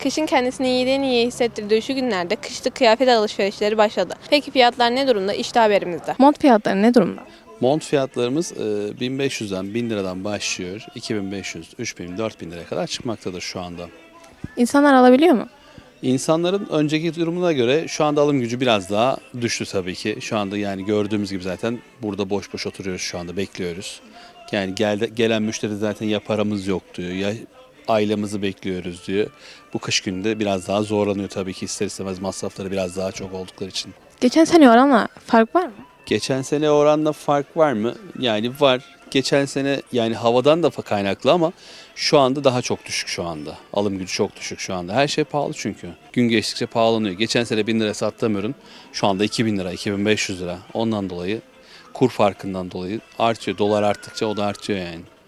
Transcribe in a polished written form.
Kışın kendisini iyiden iyiye hissettirdiği şu günlerde kışlık kıyafet alışverişleri başladı. Peki fiyatlar ne durumda? İşte haberimizde. Mont fiyatları ne durumda? Mont fiyatlarımız 1500'den 1000 liradan başlıyor. 2500, 3000, 4000 liraya kadar çıkmaktadır şu anda. İnsanlar alabiliyor mu? İnsanların önceki durumuna göre şu anda alım gücü biraz daha düştü tabii ki. Şu anda yani gördüğümüz gibi zaten burada boş boş oturuyoruz şu anda bekliyoruz. Yani gelen müşteri zaten ya paramız yok diyor ya ailemizi bekliyoruz diyor. Bu kış günde biraz daha zorlanıyor tabii ki ister istemez masrafları biraz daha çok oldukları için. Geçen sene oranla fark var mı? Geçen sene oranla fark var mı? Yani var. Geçen sene yani havadan da kaynaklı ama şu anda daha çok düşük şu anda. Alım gücü çok düşük şu anda. Her şey pahalı çünkü. Gün geçtikçe pahalanıyor. Geçen sene 1000 lira sattığım ürün şu anda 2000 lira, 2500 lira. Ondan dolayı kur farkından dolayı artıyor. Dolar arttıkça o da artıyor yani.